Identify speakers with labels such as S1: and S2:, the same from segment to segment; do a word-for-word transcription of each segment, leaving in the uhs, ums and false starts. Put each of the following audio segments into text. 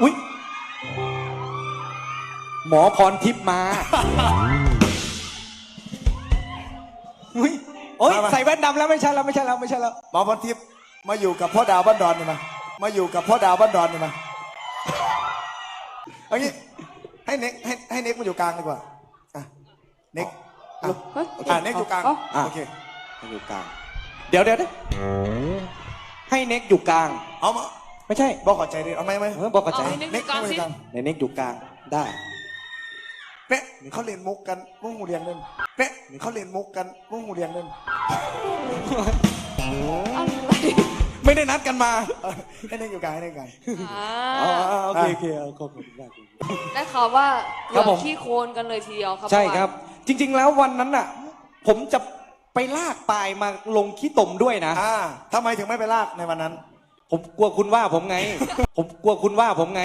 S1: อุ้ยหมอพรทิพย์มาอุ้ยโอ้ยใส่แว่นดำแล้วไม่ใช่แล้วไม่ใช่แล้วไม่ใช่แล้ว
S2: หมอพรทิพย์มาอยู่กับพ่อดาวบ้านดอนนี่มามาอยู่กับพ่อดาวบ้านดอนนี่มาเอางี้ให้เน็กให้ให้เน็กมาอยู่กลางดีกว่าอ่ะเน็กอ่ะอ่ะเน็กอยู่กลางโอเค
S1: ให้อยู่กลางเดี๋ยวเดี๋ยวให้เน็กอยู่กลาง
S2: เอามา
S1: ไม่ใช่
S2: บอกขอใจดิเอาไหมไหม
S1: บอกขอใจ
S3: เน็กอยู่กลางสิ
S1: ในเน็กอยู่กลางได้
S2: เป๊ะเขาเรียนมุกกันมุกหูเรียนเล่นเป๊ะเขาเรียนมุกกันมุกหูเรียนเล่น
S1: ไม่ได้นัดกันมา
S2: ให้เน็กอยู่กลางให้เน็กอยู่กลาง
S3: อ๋อ
S1: โอเคโอเคขอบคุณมาก
S3: ได้ข่าวว่าเกือบขี้โคลนกันเลยทีเดียวครับ
S1: ใช่ครับจริงๆแล้ววันนั้นน่ะผมจะไปลากปลายมาลงขี้ตมด้วยนะ
S2: อ่าทำไมถึงไม่ไปลากในวันนั้น
S1: ผมกลัวคุณว่าผมไงผมกลัวคุณว่าผมไง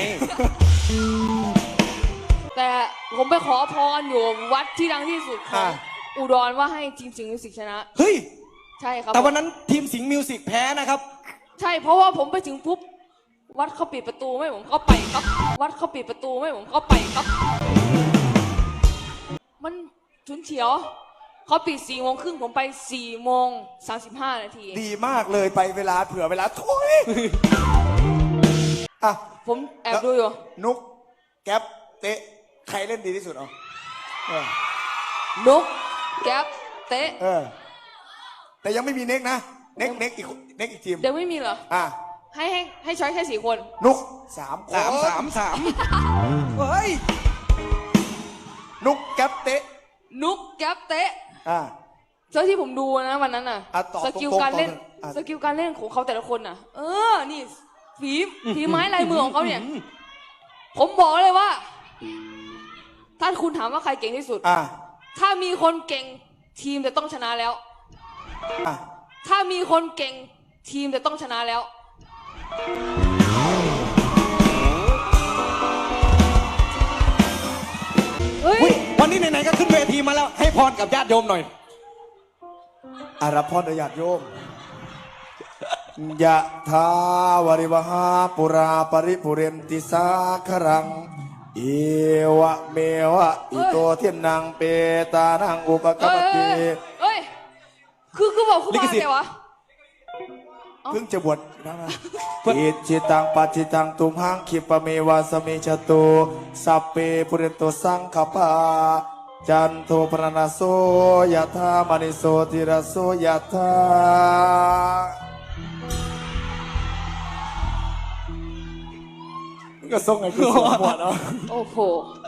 S3: แต่ผมไปขอพรอยู่วัดที่ดังที่สุดของอุดรว่าให้ทีมสิงห์มิวสิกชนะ
S1: เฮ้ย
S3: ใช่ครับ
S1: แต่วันนั้นทีมสิงห์มิวสิกแพ้นะครับ
S3: ใช่เพราะว่าผมไปถึงปุ๊บวัดเขาปิดประตูไม่ผมเข้าไปครับวัดเขาปิดประตูไม่ผมเข้าไปครับมันฉุนเฉียวเขาปิดสี่โมงครึ่งผมไปสี่โมงสามสิบห้านาที
S2: ดีมากเลยไปเวลาเผื่อเวลาทุยอ่ะ
S3: ผมแอบดูอยู่
S2: นุกแก๊ปเตะใครเล่นดีที่สุดอ๋อ
S3: นุกแก๊ปเตะ
S2: เออแต่ยังไม่มีเน็กนะเน็กเน็กอีกเน็กอีกทีม
S3: เดี๋ยวไม่มีเหรอ
S2: อ่ะ
S3: ให้ให้ให้ช้อยแค่สี่คน
S2: นุกสาม
S1: สามสามสามเฮ้ย
S2: นุกแก๊ปเตะ
S3: นุกแก๊ปเตะ
S2: อ่า
S3: เจ้าที่ผมดูนะวันนั้นน่ะสกิลการเล่นสกิลการเล่นของเขาแต่ละคนน่ะเออนี่ฝีฝีไม้ลายมือของเขาเนี่ยผมบอกเลยว่าถ้าคุณถามว่าใครเก่งที่สุด
S2: อ่า
S3: ถ้ามีคนเก่งทีมจะต้องชนะแล้ว
S2: อ่า
S3: ถ้ามีคนเก่งทีมจะต้องชนะแล้วเฮ้ย
S1: วันนี้ไหนๆก็ขึ้นเวทีมาแล้วให้พรกับญาติโยมหน่อย
S2: อารับพรญาติโยมยะทาวริวหาปุราปริปุเรนติสาครังเอวะเมวะอิโตเทียนนางเปตานังอุปกปติ
S3: เฮ้ยคือคือบอกคุณมาไงวะ
S2: เพิ่งจะบวชนะมาอิจิตังปัจิตังตุมหังคิปะเมวะสมิจตุสัพเพปุเรนโตสังขปาจันโทปรณโสยะธามณิโสติระโสยะธาก็ส่งไอ้คุณสมบัติเนาะ
S3: โอ้โห